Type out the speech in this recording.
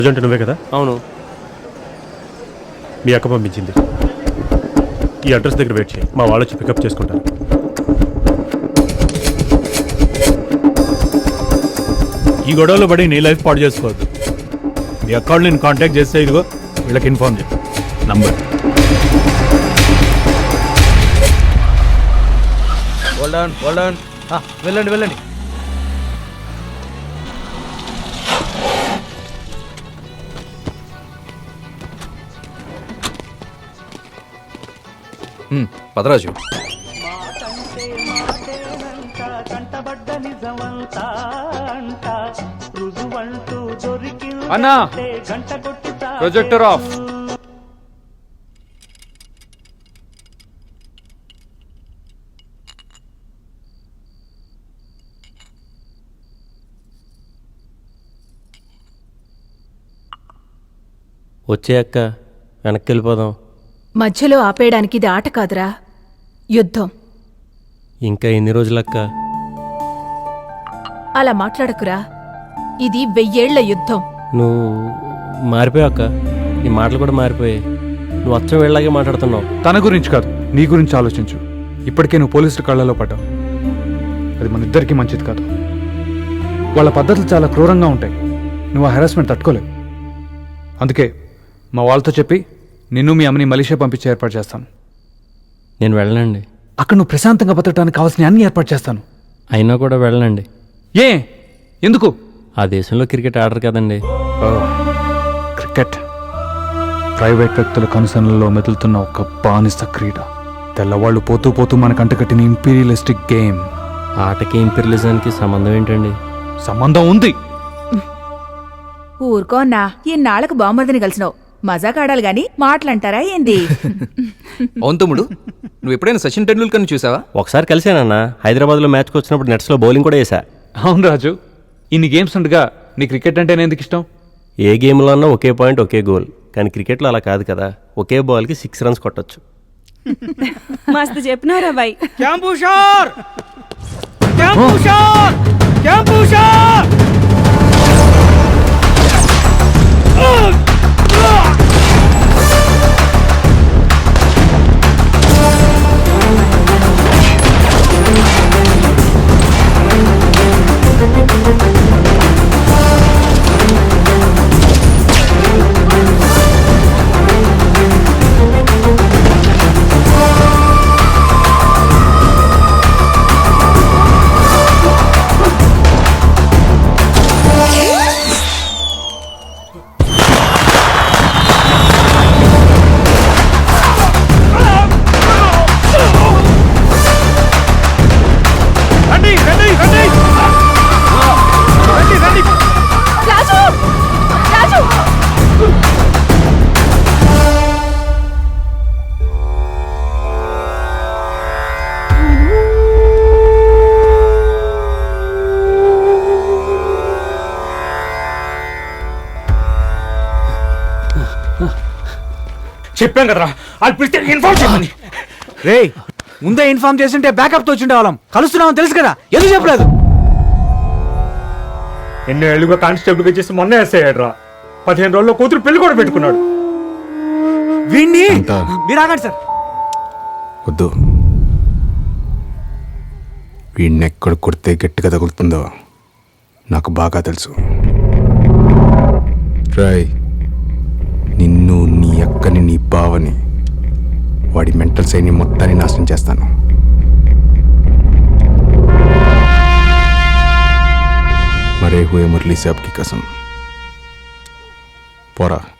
Present నువ్వే కదా? అవును. మీ అక్క పంపించింది. ఈ అడ్రస్ దగ్గర వెయిట్ చేయి, మా వాళ్ళు వచ్చి పికప్ చేసుకుంటారు. ఈ గొడవలో పడి నీ లైఫ్ పాడు చేసుకోవద్దు. మీ అకౌంట్ నేను కాంటాక్ట్ చేస్తే ఇదిగో వీళ్ళకి ఇన్ఫార్మ్ చేయి. నంబర్ వెళ్ళండి వెళ్ళండి. పదరాజు, అన్నా ప్రొజెక్టర్ ఆఫ్. వచ్చే అక్క, వెనక్కి వెళ్ళిపోదాం. మధ్యలో ఆపేయడానికి ఇది ఆట కాదురా, యుద్ధం. ఇంకా ఎన్ని రోజులక్క? అలా మాట్లాడకురా, ఇది 1000 ఏళ్ల యుద్ధం. నువ్వు మారిపోయావు అక్క, నీ మాటలు కూడా మారిపోయాయి. నువ్వు అచ్చం వీళ్ళలాగే మాట్లాడుతున్నావు. తన గురించి కాదు, నీ గురించి ఆలోచించు. ఇప్పటికే నువ్వు పోలీసుల కళ్ళలో పడ్డావు. అది మన ఇద్దరికీ మంచిది కాదు. వాళ్ళ పద్ధతులు చాలా క్రూరంగా ఉంటాయి. నువ్వు ఆ హెరాస్మెంట్ తట్టుకోలేవు. అందుకే మా వాళ్ళతో చెప్పి నిన్ను మీ అమ్మని మలేషియా పంపించే ఏర్పాటు చేస్తాను. నేను వెళ్ళనండి. అక్కడ నువ్వు ప్రశాంతంగా బతకడానికి కావాల్సిన అన్ని ఏర్పాటు చేస్తాను. అయినా కూడా వెళ్ళనండి. ఏ ఎందుకు? ఆ దేశంలో క్రికెట్ ఆడరు కదండి. క్రికెట్ ప్రైవేట్ వ్యక్తుల కనుసనలలో మెదులుతున్న ఒక బానిస క్రీడ. తెల్లవాళ్ళు పోతూ పోతూ మన కంటకట్టిన ఇంపీరియలిస్టిక్ గేమ్. ఆటకి ఇంపీరియలిజానికి సంబంధం ఏంటండి? సంబంధం ఉంది. ఊరుకో అన్నా, ఇన్నాళ్లకు బామ్మర్దిని కలిసినావు, మజాక్ ఆడాలి గాని మాటలంటారా ఏంది? అవును తమ్ముడు, నువ్వు ఎప్పుడైనా సచిన్ టెండూల్కర్ని చూసావా? ఒకసారి కలిసానన్న, హైదరాబాద్లో మ్యాచ్కి వచ్చినప్పుడు నెట్స్లో బౌలింగ్ కూడా వేసా. అవును రాజు, ఇన్ని గేమ్స్ ఉండగా నీ క్రికెట్ అంటేనే ఎందుకు ఇష్టం? ఏ గేమ్లో అన్నా ఒకే పాయింట్ ఒకే గోల్, కానీ క్రికెట్లో అలా కాదు కదా. ఒకే బాల్కి 6 రన్స్ కొట్టచ్చు. మస్తు చెప్పినారా బాయ్. చెప్పాం కదరా, వాళ్ళు పిలిస్తే ఇన్ఫార్మ్ చేయమని. రే, ముందే ఇన్ఫార్మ్ చేస్తుంటే బ్యాకప్ తో వచ్చిండే వాళ్ళం. కలుస్తున్నామని తెలుసు కదా, ఎందుకు చెప్పలేదు? ఎన్నో ఏళ్ళుగా కానిస్టేబుల్గా చేసి మొన్న ఎస్ఐ అయ్యాడు రా. 15 రోజుల్లో కూతురు పెళ్లి కూడా పెట్టుకున్నాడు. వీణ్ణి మీరు ఆగండి సార్. వద్దు, వీడిని ఎక్కడ కొడితే గట్టిగా తగులుతుందో నాకు బాగా తెలుసు. రాయ్, నిన్ను, నీ అక్కని, నీ బావని, వాడి మెంటల్ సైని మొత్తాన్ని నాశనం చేస్తాను. మరే హుయే మురళీ సాబ్ కి కసం. పోరా.